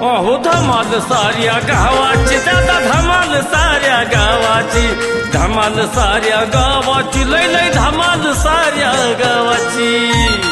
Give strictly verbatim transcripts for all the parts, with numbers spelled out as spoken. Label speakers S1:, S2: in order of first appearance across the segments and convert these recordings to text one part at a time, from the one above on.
S1: अहो धमाल साऱ्या गावाची दादा धमाल साऱ्या गावाची धमाल साऱ्या गावाची लय लय धमाल साऱ्या गावाची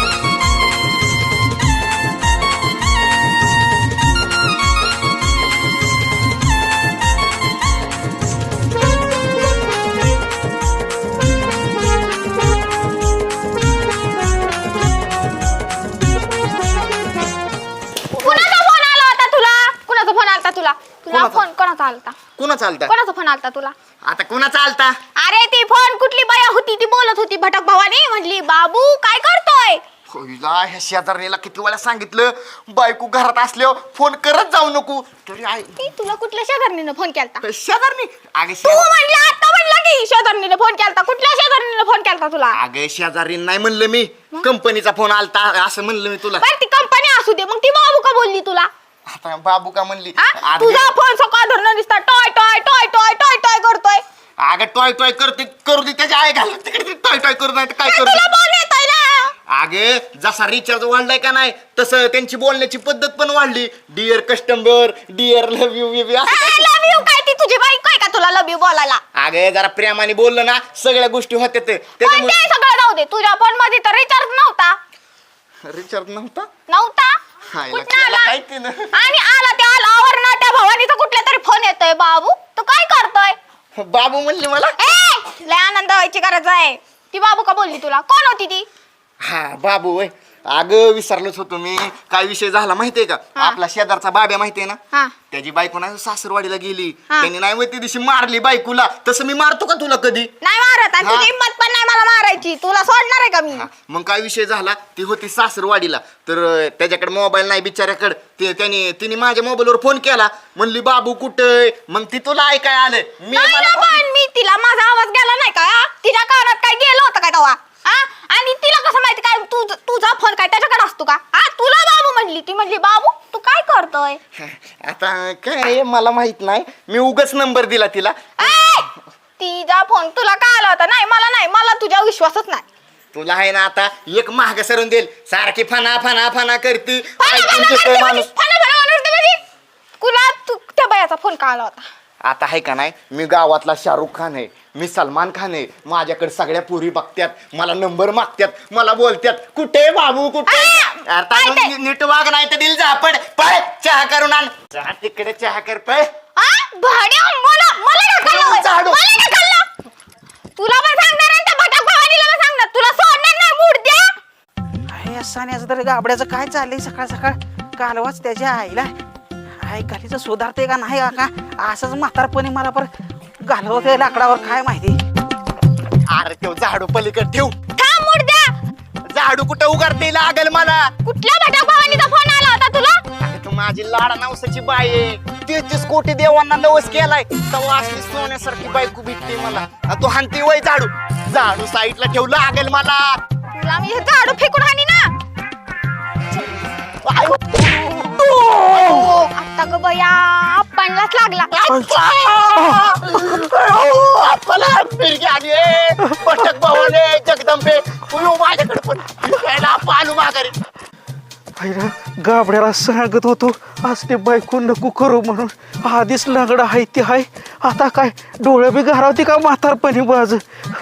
S2: तुला तुला फोन कोणाचा आलता
S3: कोणाचा आलता
S2: कोणाचा फोन आलता तुला
S3: आता कोणाचा आलता
S2: अरे ती फोन कुठली बाया होती ती बोलत होती भटक भवानी म्हटली बाबू काय करतोय
S3: होईला ह्या शेजारणीला किती वेळा सांगितलं बायको घरात असल्यावर फोन करत जाऊ नको तरी आई
S2: ती तुला कुठल्या शेजारणीने फोन केलता
S3: शेजारणी अगे
S2: तू म्हणली आता म्हणला की शेजारणीने फोन केलता कुठल्या शेजारणीने फोन केलता तुला
S3: अगे शेजारी नाही म्हणलं मी कंपनीचा फोन आलता असं म्हणलं मी तुला
S2: बरं ती कंपनी असू दे मग ती बाबू का बोलली तुला
S3: आता बाबू का म्हणली
S2: हा? तुझा फोन सकाळ धरणं दिसता toy toy toy toy toy toy करतोय
S3: अगं टॉय टॉय करते करू दे त्याच्या आई घाल तिकडे टॉय टॉय करू नाही काय करू
S2: तुला बोल येतोय ना
S3: अगे जसा रिचार्ज वाढलाय का नाही तसं त्यांची बोलण्याची पद्धत पण वाढली dear customer dear love you
S2: love you काय ती तुझी बाईक काय का तुला लव यू बोलायला
S3: अगे जरा प्रेमाने बोललं ना सगळ्या गोष्टी होत्या ते
S2: पण ते सगळं जाऊ दे तुझ्या फोन मध्ये तर रिचार्ज नव्हता
S3: रिचार्ज नव्हता
S2: नव्हता
S3: हायला
S2: कुठं
S3: केला
S2: आला?
S3: काय तिनं?
S2: आणि आला त्या आलावर ना त्या भवानीचा कुठला तरी फोन येतोय बाबू तू काय करतोय
S3: बाबू म्हणली मला
S2: ए लय आनंद व्हायची गरज आहे ती बाबू का बोलली तुला कोण होती ती
S3: हा बाबू वय अगं विसरलोच होतो मी काय विषय झाला माहितीये का
S2: हा.
S3: आपला शेजारचा बाब्या माहितीये ना
S2: हा
S3: त्याची बायको नाही सासरवाडीला गेली
S2: हा.
S3: त्यांनी नाही त्या दिवशी मारली बायकोला तसं मी मारतो का तुला कधी
S2: नाही मारत आणि
S3: हा.
S2: तुझी हिंमत पण नाही मला मारायची तुला सोडणार आहे का मी
S3: हा, मग काय विषय झाला ती होती सासरवाडीला तर अं, त्याच्याकडे मोबाईल नाही बिचाऱ्याकडे ते त्याने तिने माझ्या मोबाईलवर फोन केला म्हणली बाबू कुठे मग ती तुला ऐकाय आलं मी
S2: नाही
S3: मला
S2: ना, पण मी तिला माझा आवाज गेला नाही का हा? तिच्या कानात काय गेलं होतं काय तेव्हा हा आणि तिला कसं माहिती काय तू तुझा फोन काय त्याच्याकडे असतो का हा तुला बाबू म्हणली ती म्हणली बाबू तू काय करतोय
S3: आता काय मला माहित नाही मी उगाच नंबर दिला तिला
S2: ए! तिचा फोन तुला का आला होता नाही मला नाही मला तुझ्या विश्वासच नाही
S3: तुला आहे ना आता एक महाग सरून देईल सारखी फना फना फना करती
S2: फना-
S3: ऐकून
S2: फना
S3: घेतोय
S2: करते
S3: माणूस
S2: म्हणजे, फना- फना म्हणते म्हणजे. तुला तू त्या बायाचा फोन का आला होता
S3: आता आहे का नाही मी गावातला शाहरुख खान आहे मी सलमान खान आहे माझ्याकडे सगळ्या पुरी बघत्यात मला नंबर मागत्यात मला बोलत्यात कुठे बाबू कुठे
S2: आ!
S3: आता
S2: काय ते?
S3: नी- नीट वाग नाही तर दिल जा पण पळ चहा करून आण जा तिकडे चहा कर पळ
S2: हा? भाड्या, मला मला ढकललं होय.
S3: झाडू.
S2: मला ढकललं. तुला पण सांगणार आणि त्या भटक भवानीला पण सांगणार तुला सोडणार नाही मूड द्या
S4: आहे सान्याचं तर गाबड्याचं काय चाललंय सकाळ सकाळ कालवाच त्याच्या आईला आई गालीचं सुधारते का नाही का असंच म्हातारपणी मला परत घालवते लाकडावर काय माहिती
S3: अरे तो झाडू पलीकडे ठेव
S2: थांब मूड द्या
S3: झाडू कुठं उघडते लागल मला
S2: कुठल्या भटक भवानीचा फोन आला होता तुला
S3: अरे तू माझी लाडा नवसाची बाई आहे तेहतीस कोटी देवांना नवस केलाय तेव्हा असली सोन्यासारखी बायको भेटते मला आणि तू हानती वय झाडू झाडू साईडला ठेवलं लागेल मला
S2: तुला मी हे झाडू फेकून हानी ना
S3: आयो.
S2: आता ग बया पणलाच लागला
S3: आपला फिरगी आली पटक भवाने जगदंबे तू माझ्याकडे पण फिरायला पालू माघारी
S4: आईला गाबड्याला सांगत होतो आज ते बायको नको करू म्हणून आधीच लंगडा आहे ते आहे आता काय डोळे बी घारावते का म्हातारपणी बाज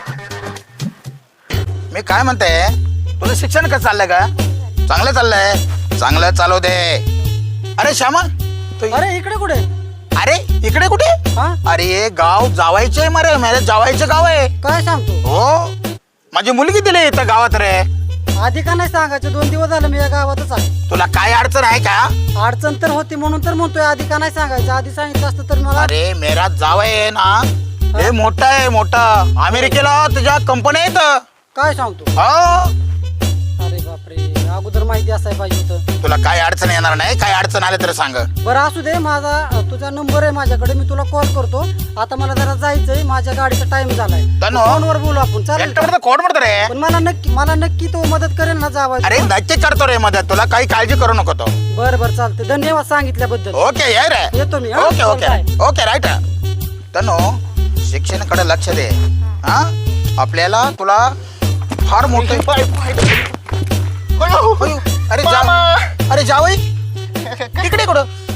S5: मी काय म्हणते तुझं शिक्षण कसं चाललंय का चांगलं चाललंय चांगलं चालू दे अरे श्यामा तू-
S6: अरे इकडे कुठे
S5: अरे इकडे कुठे
S6: हा?
S5: अरे गाव जावायचे मरे माझ्या जावायचं गाव आहे
S6: काय सांगतो
S5: हो माझी मुलगी दिली इथं गावात रे
S6: आधी का नाही सांगायचं दोन दिवस झालं मी या गावातच आहे
S5: तुला काय अडचण आहे का
S6: अडचण तर होती म्हणून तर म्हणतोय आधी का नाही सांगायचं आधी सांगितलं असतं तर मला
S5: अरे मेरा जावई आहे ना हे मोठा आहे मोठा अमेरिकेला तुझ्या कंपनी आहेत
S6: काय सांगतो
S5: हो
S6: अरे बापरे अगोदर माहिती असायला पाहिजे होतं
S5: तुला काय अडचण येणार नाही काय अडचण आले तर सांग
S6: बरं असू दे माझा तुझा नंबर आहे माझ्याकडे मी तुला कॉल करतो आता मला जरा जायचंय माझ्या गाडीचा टाइम झालाय
S5: तनु.
S6: फोनवर बोलू आपण चालेल का?
S5: एकटं कोण म्हणतो रे
S6: पण मला नक्की मला नक्की तो मदत करेल ना जावा
S5: अरे नक्की करतो रे मदत तुला काही काळजी करू नको तो
S6: बरं बरं चालते धन्यवाद सांगितल्याबद्दल
S5: ओके ये रे
S6: येतो मी हा?
S5: Okay okay
S6: bye.
S5: Okay right Tanu शिक्षणाकडे लक्ष दे हा आपल्याला तुला फार मोठे अरे जा अरे जावई तिकडे कुठं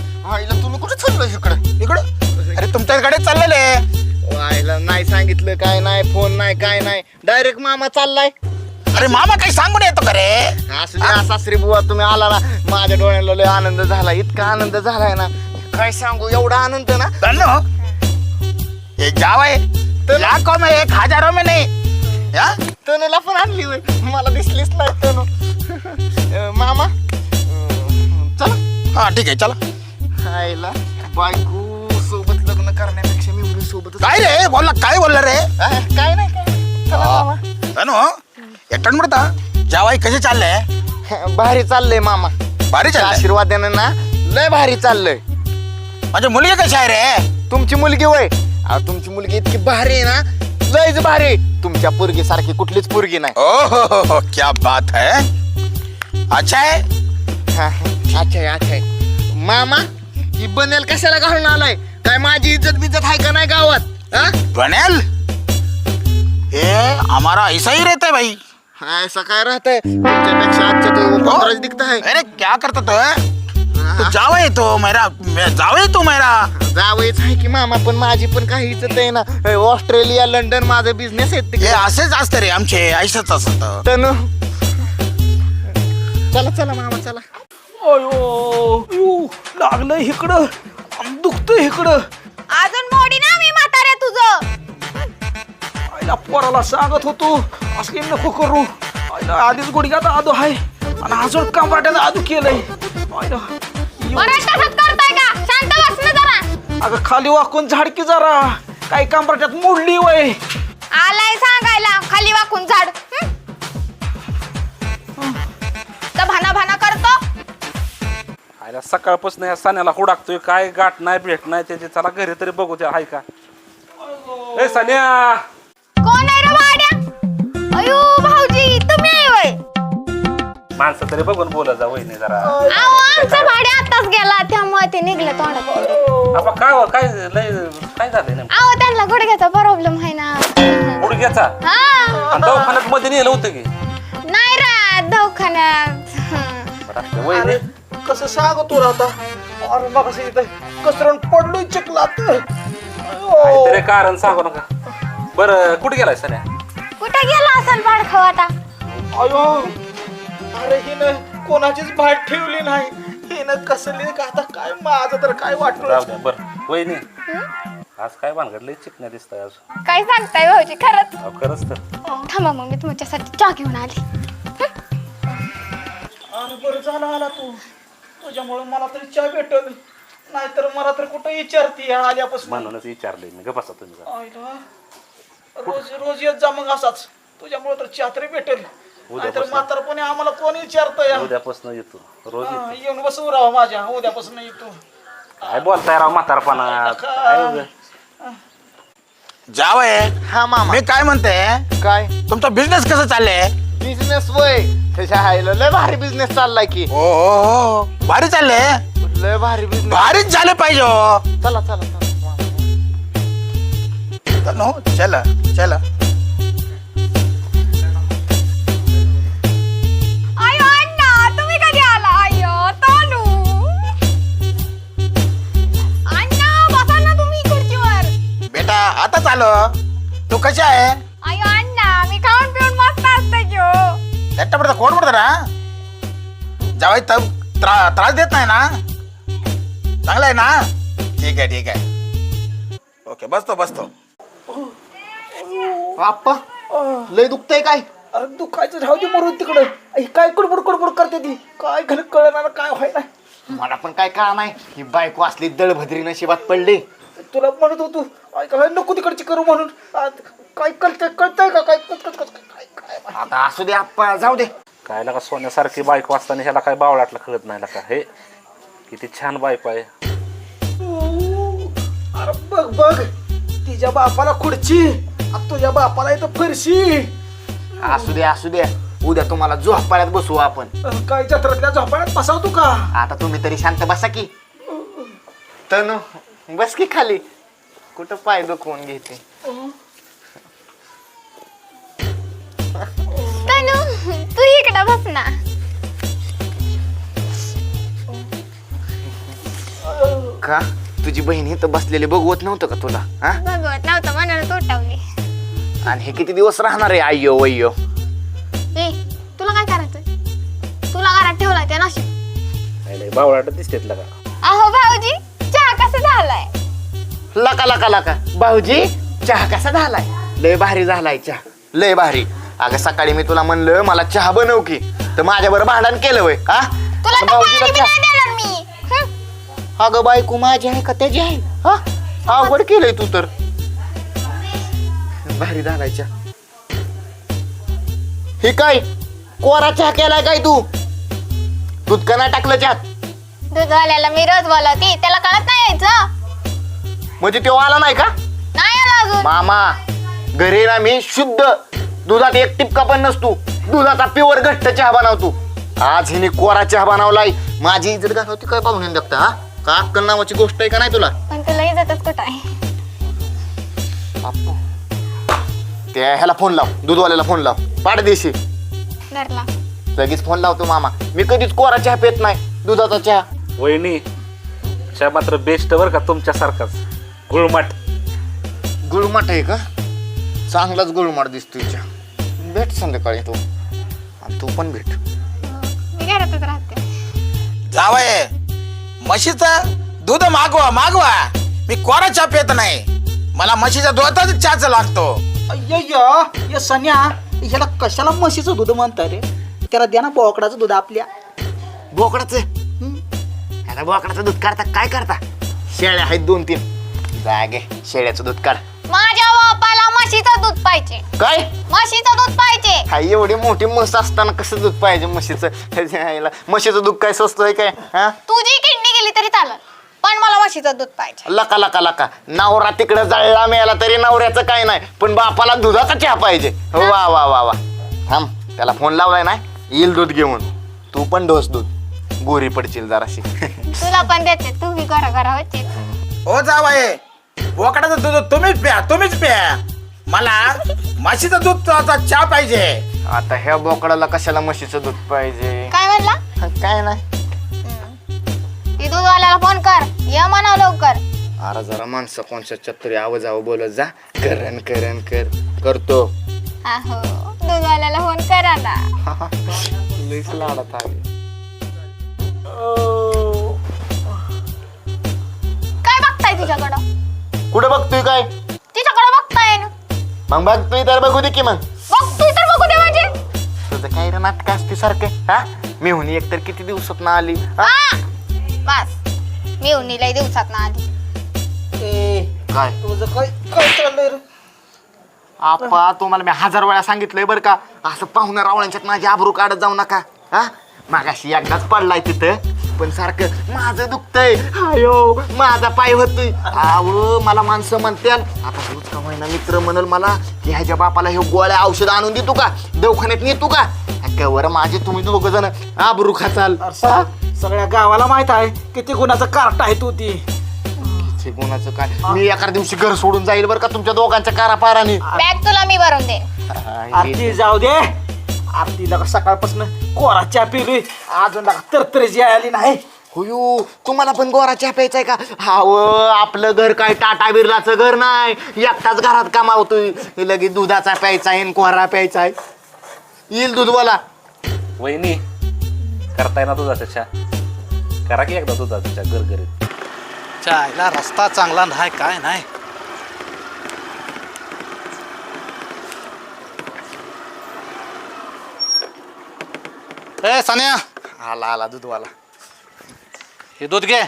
S5: तुमच्याच गाडीत चाललेले.
S3: व्हायला नाही सांगितलं, काय नाही, फोन नाही, काय नाही, डायरेक्ट मामा चाललाय.
S5: अरे मामा काही सांगून येतो का रे?
S3: असू द्या सासरी बुवा, तुम्ही आला ना, माझ्या डोळ्याला लय आनंद झाला, इतका आनंद झालाय ना, काय सांगू, एवढा आनंद ना.
S5: तनु ये जावय लाखों में एक हजारों में नहीं. या
S3: तनुला पण आणली होय, मला दिसलीच नाही तनु. अं, मामा अं, चला.
S5: हा ठीक आहे चला.
S3: आईला बायको सोबत लग्न करण्यापेक्षा मी मुली सोबत.
S5: काय रे बोलला, काय बोलला रे?
S3: काय नाही, काय नाही. चला मामा.
S5: तनु एकटण म्हणता जावाई कसे चालले?
S3: भारी चाललंय मामा,
S5: भारी चालले.
S3: आशीर्वादानं ना लय भारी चाललंय.
S5: म्हणजे मुलगी कशी आहे रे?
S3: तुमची मुलगी वय, अहो, तुमची मुलगी इतकी भारी आहे ना, लयच भारी. तुमच्या पोरगी सारखी कुठलीच पोरगी नाही.
S5: ओ हो हो हो क्या बात है. अच्छा है.
S3: हा, अच्छा आहे, अच्छा आहे. मामा ही बनेल कशाला घालून आलाय? काय माझी इज्जत बिज्जत आहे का नाही गावात? हा?
S5: बनेल ये हमारा ऐसा ही रहता है भाई.
S3: ऐसा काय राहतंय तुमच्यापेक्षा? आजच्या तो पंधराच दिखता है.
S5: अरे क्या करता तो? तू जावई तो मेरा, मैं जावई तू मेरा.
S3: जावईच आहे की मामा, पण माझी पण काही इज्जत आहे ना. हे ऑस्ट्रेलिया, लंडन माझं बिझनेस आहे
S5: हे
S3: तिकडे.
S5: असेच असते रे आमचे, ऐसच असत.
S3: तनु चला चला मामा चला.
S4: अयो यू लागलं इकडं, दुखतं इकडं.
S2: अजून मोडी ना मी म्हाताऱ्या तुझं.
S4: आईला पोराला सांगत होतो असली नको करू. आईला आधीच गुडघ्यात आदू आहे आणि अजून कंबरट्यात आदू केलंय. आईला
S2: बरं तसंच करताय का? शांत बस ना जरा.
S4: अगं खाली वाकून झाडकी जरा, काही कंबरट्यात मोडली वय.
S2: आलाय सांगायला खाली वाकून झाड. तर भाना भाना करतो.
S7: आयला सकाळपासून या सान्याला हुडाकतोय, काय गाठ नाही भेट नाही त्याची. चला घरी तरी बघू त्या हाय का. ए सान्या,
S2: कोण आहे रे वाड्या? अयो भाऊजी तुम्ही आहे वय?
S7: माणसं तरी बघून बोला जा वहिनी जरा.
S2: अहो आमचा भाड्या आताच गेला, त्यामुळे ते निघलं तोंडात.
S7: आपण काय हो, काय लय काय झालंय नेमकं?
S2: अहो त्यांना गुडघ्याचा प्रॉब्लेम आहे ना.
S7: गुडघ्याचा?
S2: हा
S7: आणि दवाखान्यात मध्ये नेलं होतं की?
S2: नाही रा दवाखान्यात.
S7: बरं असलं, वहिनी
S4: कसं सांगतो आता? अरे मग कसरण पडलोय चिखलात.
S7: काहीतरी कारण सांगू नका. बरं कुठे गेलाय सान्या?
S2: कुठे गेला असेल बाळखाव आता?
S4: अयो अरे हिनं कोणाचीच भाट ठेवली नाही. हिनं कसली का आता, काय माझं तर काय वाटलं.
S7: राहू द्या. बरं वहिनी आज काय भानगडलंय, चिकण्या दिसताय आज.
S2: काय सांगताय भाऊजी खरंच?
S7: अहो, खरंच तर.
S2: थांबा मग मी तुमच्यासाठी चहा घेऊन आली.
S4: अरे बरं झालं आला तू, तुझ्यामुळे मला तरी चहा भेटल, नाहीतर मला तर कुठं विचारती आल्यापासून.
S7: म्हणूनच विचारलंय मी. गप्प बसा तुम्ही जरा.
S4: आईला रोज रोज येत जा मग असाच, तुझ्यामुळे तर चहा तरी भेटेल. नाहीतर म्हातारपणे आम्हाला कोण विचारतं या.
S7: उद्यापासून येतो रोज येतो.
S4: हा, येऊन बसू राहा माझ्या, उद्यापासून येतो.
S7: काय बोलताय राव म्हातारपणात? काय उगा.
S5: जावय
S3: हा मामा.
S5: मी काय म्हणते,
S3: काय
S5: तुमचा बिझनेस कसं चाललंय?
S3: बिझनेस वय, त्याच्या आईला लय भारी बिझनेस चाललाय की.
S5: हो हो हो भारी चाललंय.
S3: लय भारी बिझनेस.
S5: भारीच झालं पाहिजे हो.
S3: चला चला चला.
S5: तनु चला चला.
S2: अयो अण्णा तुम्ही कधी आला? अयो तानू अण्णा बसा ना तुम्ही खुर्चीवर.
S5: बेटा आता आलो. तू कशी आहे?
S2: अयो अण्णा मी खाऊन पिऊन मस्त असते की हो.
S5: एकटा पडता कोण पडतं ना? जावाई तर त्रा- त्रास देत नाही ना? चांगलं आहे ना? ठीक आहे ठीक आहे. ओके बसतो बसतो.
S3: आप्पा लय दुखतंय काय?
S4: अरे दुखायचं राहू दे, मरून तिकडं. आई, काय कुडबुड कुडबुड करते ती, काय घाल कळणार काय व्हाय नाही.
S3: मला पण काय कळा नाही, ही बायको असली दळभद्री नशिबात पडली.
S4: तुला म्हणत होतो आई काय नको तिकडची करू म्हणून. आ, काय कळतंय कळतंय का काय कच कच कच काय काय
S3: आता असू दे आप्पा, जाऊ दे.
S7: काय लागा सोन्यासारखी बायको असताना ह्याला काय बावळाटला कळत नाही का? हे किती छान बायको आहे.
S4: अरे बघ बघ, तिच्या बापाला खुर्ची आणि तुझ्या बापाला इथं फरशी.
S3: असू दे असू दे, उद्या तुम्हाला झोपाळ्यात बसवू आपण.
S4: अं, काय जत्रातल्या झोपाळ्यात बसावतो का?
S3: आता तुम्ही तरी शांत बसा की. तनु बस की खाली, कुठं पाय दुखवून घेते.
S2: तानू तू इकडे बस ना.
S3: का तुझी बहीण इथं बसलेली बघवत नव्हतं का तुला हा?
S2: बघवत नव्हतं म्हणून तोटावली.
S3: आणि हे किती दिवस राहणार आहे आय्यो वय्यो?
S2: ए तुला काय करायचंय? तुला घरात ठेवलाय त्या नशीब.
S7: बावळाट दिसतेत लगा.
S2: अहो भाऊजी चहा कसा झालाय?
S3: लका लका लका भाऊजी चहा कसा झालाय? लय भारी झालाय चहा, लय भारी. अगं सकाळी मी तुला म्हणलं मला चहा बनव की, तर माझ्याबरोबर भांडण केलं वय हा?
S2: तुला तर
S3: भाऊजीला
S2: पाणी बी
S3: चहा-
S2: नाही देणार मी. हं.
S3: अगं बायको माझी आहे का त्याची आहे हा? अवघड केलंय तू तर. भारी झालाय चहा. हे काय कोरा चहा केलाय काय तू? दूध का नाही टाकलं चहात?
S2: दूधवाल्याला मी रोज बोलवते, त्याला कळत नाही यायचं.
S3: म्हणजे तो आला नाही का?
S2: नाही आला अजून.
S3: मामा घरी ना मी शुद्ध दुधात एक टिपका पण नसतो, दुधाचा प्युअर घट्ट चहा बनवतो. आज हिने कोरा चहा बनवलाय, माझी इज्जत घालवती काय पाहून बघता हा? का अक्कल नावाची गोष्ट आहे का नाही तुला?
S2: पण तुला इज्जतच कुठं आहे?
S3: बाप्पू, त्या ह्याला फोन लाव, दूधवाल्याला फोन लाव, पाडदेशी
S2: धरला.
S3: लगेच फोन लावतो. मामा मी कधीच कोरा चहा पेत नाही, दुधाचा चहा.
S7: वहिनी चहा मात्र बेस्ट बर का तुमच्यासारखाच गुळमाट.
S3: गुळमाट आहे का? चांगलाच गुळमाट दिसतोय चहा. भेट संध्याकाळी तू, आणि तू पण भेट.
S2: मी घरातच राहते.
S5: जावय म्हशीचं दूध मागवा मागवा. मी कोरा चहा पेत नाही, मला म्हशीच्या दुधाचा चहाच लागतो.
S4: अय्य ये सन्या, ह्याला कशाला म्हशीचं दूध म्हणता रे? त्याला द्या ना बोकडाचं दूध आपल्या.
S3: बोकडाचं ह्याला बोकडाचं दूध काढता काय करता? शेळ्या आहेत दोन तीन, जागे शेळ्याचं दूध काढ.
S2: माझ्या बापाला म्हशीचं दूध पाहिजे.
S3: काय
S2: म्हशीचं दूध पाहिजे.
S3: हा एवढी मोठी म्हस असताना कसं दूध पाहिजे म्हशीचं? ह्याला म्हशीचं दूध काय स्वस्त आहे काय हा?
S2: तुझी किडनी गेली तरी चालेल, पण मला म्हशीचं दूध पाहिजे.
S3: लका लका लका नवरा तिकडे जळला मिळाला तरी नवऱ्याचं काय नाही, पण बापाला दुधाचा चहा पाहिजे. वा वा वा वा. थांब, त्याला फोन लावलाय ना, येईल दूध घेऊन. तू पण ढोस दूध, गोरी पडशील जराशी.
S2: तुला पण देते, तू बी घरा घरा होते.
S5: ओ जावय बोकडाचं दूध तुम्हीच प्या, तुम्हीच प्या. मला म्हशीचं दूध चहा पाहिजे.
S3: आता ह्या बोकडाला कशाला म्हशीचं दूध पाहिजे?
S2: काय म्हणला?
S3: काय नाही.
S2: ती दूधवाल्याला फोन कर, ये म्हणा लवकर.
S3: अरे जरा माणसं कोणच्या चतुरी आवाज आव बोलत जा. करण करण कर करतो.
S2: अहो दूधवाल्याला फोन करा ना.
S3: लईच लाडत आली.
S2: काय बघताय तिच्याकडं?
S3: कुठं बघतोय काय?
S2: तिच्याकडं बघताय ना.
S3: मग बघतोय तर बघू दे की मग.
S2: बघतोय तर बघू दे म्हणजे.
S3: तुझं काय रे नाटक असते सारखं हा? मी हुनी एकतर किती दिवसात ना आली हा?
S2: हा बस, मी उन्हीलाही दिवसात ना आधी.
S4: ए
S3: काय
S4: तुझं काय काय चाललंय रे?
S3: आपा तुम्हाला मी हजार वेळा सांगितलंय बरं का, असं पाहुणा रावळ्यांच्यात माझी आबरू काढत जाऊ नका हा? मागाशी एकदाच पडलाय तिथं, पण सारखं माझं दुखतंय, आयो माझा पाय होतोय. आव मला माणसं म्हणत्याल आता रोज का महिना मित्र म्हणल मला की ह्याच्या बापाला हे गोळ्या औषध आणून देतो का, दवाखान्यात नेतो का? कवर माझे तुम्ही दोघ जण आबरू खाचाल.
S4: अरे सा- सगळ्या गावाला माहित आहे किती गुणाचं कार्ट आहे तू ती.
S3: हे गुणाचं काय? मी एका दिवशी घर सोडून जाईल बरं का तुमच्या दोघांच्या कारापाराने.
S2: बॅग तुला मी भरून दे.
S4: आरती जाऊ दे. आरतीला सकाळपासून कोरा चहा पिलोय, अजून तरतरीची आली नाही.
S3: हुयू तुम्हाला पण गोरा चहा प्यायचाय का? हाव आपलं घर काय टाटा बिर्लाचं घर नाही, एकटाच घरात कमावतोय. हे लगेच दुधाचा प्यायचाय आणि कोरा प्यायचाय. येईल दूधवाला.
S7: वहिनी करताय ना दुधाचा चहा, करा की एकदा दुधाचा चहा गरगरीत.
S8: चायला रस्ता चांगला नाही काय नाही. ए सान्या,
S3: आला आला दूधवाला.
S8: हे दूध घे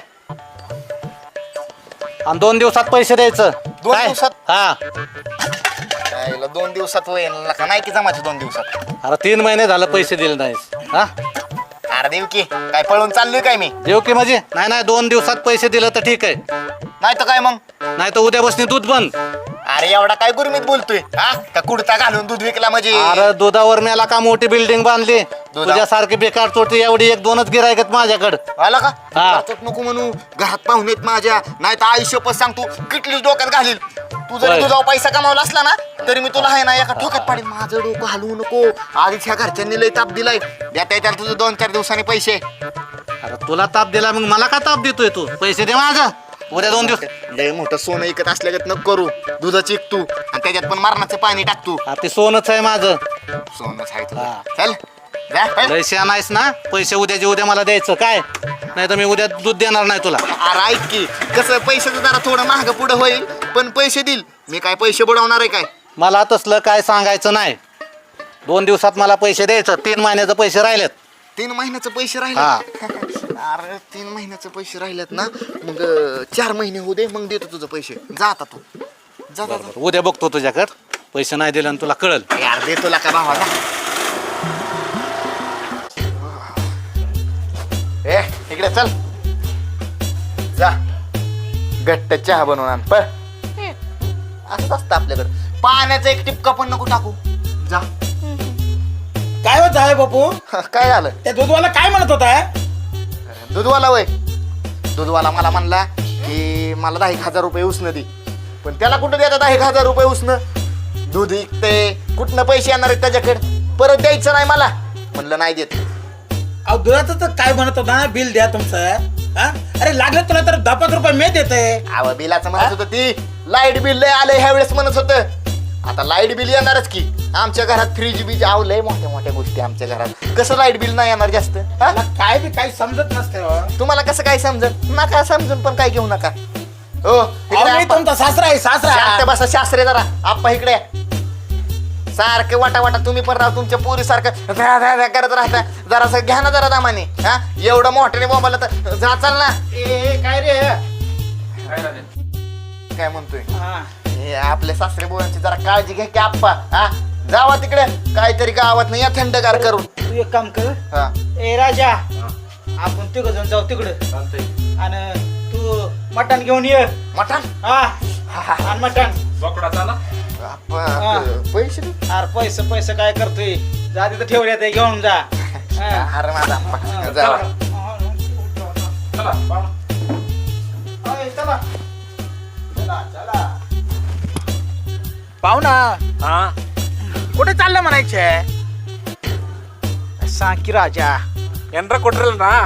S8: आणि दोन दिवसात पैसे द्यायचं.
S3: दोन
S8: काय?
S3: दिवसात?
S8: हा.
S3: यायला दोन दिवसात होईल का नाही की जमायचं दोन दिवसात?
S8: अरे तीन महिने झालं पैसे दिले नाहीस. हा
S3: अरे देव की काय पळून चाललोय काय मी?
S8: देऊ की माझी? नाही नाही, दोन दिवसात पैसे दिलं तर ठीक आहे,
S3: नाही तर काय मग?
S8: नाही तर उद्या बसनी दूध बंद.
S3: अरे एवढा काय गुरमीत बोलतोय हा? का कुडता घालून दूध विकला म्हणजे?
S8: अरे दुधावर मेला का मोठी बिल्डिंग बांधली. तुझ्यासारखी बेकार चोटी एवढी एक दोनच गिरायकत माझ्याकडे.
S3: आला का?
S8: हा.
S3: घरातच नको म्हणू, घरात पाहुणेत माझ्या, नाही तर आयुष्य पण सांगतो किटलीच डोक्यात घालील. तू जरी
S8: होय.
S3: तुझा पैसा कमावला असला ना तरी मी तुला आहे ना एका ठोक्यात पाडीन. माझं डोकं हलवू नको. आधीच ह्या घरच्यांनी लय ताप दिलाय. देता येतात तुझं दोन चार दिवसांनी पैसे.
S8: अरे तुला ताप दिला मग मला का ताप देतोय तू? पैसे दे माझा. उद्या दोन दिवस
S3: लय मोठं सोनं इकत असल्यागत नको करू. दुधाची एक तू आणि त्याच्यात पण मरणाचं पाणी टाकतो.
S8: हा, ते सोनच आहे माझं.
S3: सोनच आहे तुझं. चल जा, चल.
S8: लय शहाणा आहेस ना. पैसे उद्याचे उद्या मला द्यायचं काय, नाही तर मी उद्या दूध देणार नाही तुला.
S3: अरे ऐक की, कसं पैशाचं जरा थोडं महाग पुढं होईल, पण पैसे देईल मी. काय पैसे बुडवणार आहे काय?
S8: मला तसलं काय सांगायचं नाही. दोन दिवसात मला पैसे द्यायचं. तीन महिन्याचे पैसे राहिलेत.
S3: तीन महिन्याचे पैसे
S8: हा.
S3: राहिले. अरे तीन महिन्याचे पैसे राहिलेत ना, मग अं, चार महिने होऊ दे, मग देतो तुझं पैसे. जा आता तू जा, जा, जा.
S8: उद्या बघतो तुझ्याकडं. पैसे नाही दिले तुला कळल.
S3: यार दे तुला का भावा, जा. ए इकडे चल, जा घट्ट चहा बनवून आण. पण असंच असतं आपल्याकडं. पाण्याचा एक टिपका पण नको टाकू. जा.
S5: काय होत आहे बापू?
S3: काय झालं?
S5: त्या दूधवाला काय म्हणत होता?
S3: दूधवाला वय दूधवाला मला म्हणला की मला दहा एक हजार रुपये उसनं दे. पण त्याला कुठं द्यायचं दहा एक हजार रुपये उसनं? दूध विकते, कुठनं पैसे येणार आहेत त्याच्याकडे? परत द्यायचं नाही मला. म्हणलं नाही देत.
S5: अहो दुधाचं तर काय म्हणत होता, बिल द्या तुमचं. हा? अरे लागलं तुला तर दहा पाच रुपये मी देते.
S3: अव बिलाचं म्हणत होतं ती. लाईट बिल लय आलंय ह्या वेळेस म्हणत होतं. आता लाईट बिल येणारच की. आमच्या घरात फ्रीज बीज आवलंय, मोठ्या मोठ्या गोष्टी आमच्या घरात. कसं लाईट बिल नाही येणार जास्त? हा?
S5: मला काय बी काही समजत नसते हो.
S3: तुम्हाला कसं काय समजत? नका समजून पण काय घेऊ नका. हो इकडे
S5: अहो, मी
S3: आप्पा.
S5: तुमचा सासरा आहे सासरा.
S3: शांत बसा शास्त्रे जरा. आप्पा इकडे या. सारखे वाटा वाटा तुम्ही पण राहा तुमच्या पोरी सारखं ध्या ध्या ध्या करत राहता. जरासं घ्या ना जरा दामाने. हा एवढं मोठ्याने बोंबाला तर जा चाल ना.
S5: ए, ए, काय रे?
S3: काय म्हणतोय?
S5: हा.
S3: हे आपल्या सासरे बोलांची जरा काळजी घ्या की आप्पा. हा जावा तिकडे काहीतरी गावात नाही या थंडगार करून.
S6: तू एक काम कर.
S3: हा
S6: ए राजा, आपण तिघ जण जाऊ तिकडं आणि तू मटण घेऊन ये.
S3: मटण.
S6: हा आणि मटण.
S7: बोकडा चाला.
S3: आप्पा
S6: हा.
S3: पैसे दे.
S6: अरे पैसे पैसे काय करतोय? जा तिथं ठेवले ते घेऊन जा. हा.
S3: अरे माझा आप्पा जावा.
S7: चला पाहुणा.
S6: अय, चला. चला चला.
S5: पाहुणा
S7: हा
S5: कुठे चाललं म्हणायचे?
S6: सांग की राजा.
S7: एनरा ಕೊಟ್ರಲ್ಲ ನಾ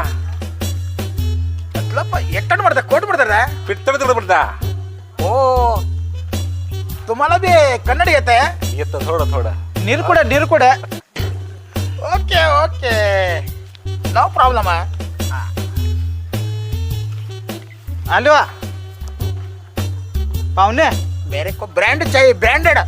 S5: मतलब एकटण ಮಾಡ್ದ कोट ಮಾಡ್ದಾರ?
S7: पित्तळ तिकडे पडता.
S5: ओ तुम्हाला बी कन्नड येत आहे?
S7: येतं थोडं थोडं.
S6: निरकुड निरकुड.
S5: ओके ओके नो प्रॉब्लेम आहे.
S6: आलो पाहुणे.
S5: मेरे को ब्रांड चाहिए, ब्रांडेड.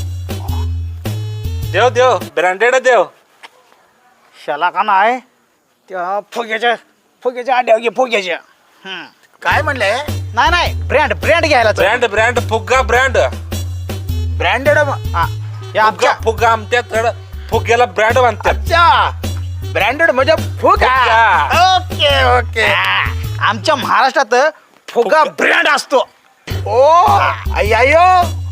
S7: देव देव ब्रँडेड देव.
S6: शाला का नाही त्या फुग्याच्या फुग्याच्या आड्या घे फुग्याच्या. हम्म.
S5: काय म्हणले?
S6: नाही नाही ब्रँड ब्रँड घ्यायला चल.
S7: ब्रँड ब्रँड फुग्गा ब्रँड.
S5: ब्रँडेड.
S6: हा या
S7: फुग्गा
S6: आमच्या
S7: फुग्गा आमच्या फुग्याला ब्रँड बांधतात.
S5: अच्छा ब्रँडेड म्हणजे फुगा.
S7: फुगा.
S5: Okay okay.
S6: आमच्या महाराष्ट्रात फुगा ब्रँड असतो.
S5: ओ अय्यो.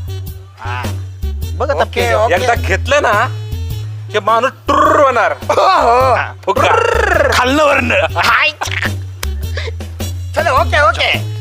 S6: बघ आता
S5: ओके
S6: पेज.
S5: ओके.
S7: एकदा घेतलं ना की माणूस टुर्र होणार. फुग्गा
S6: खाल्लं वरनं.
S5: चलो ओके ओके.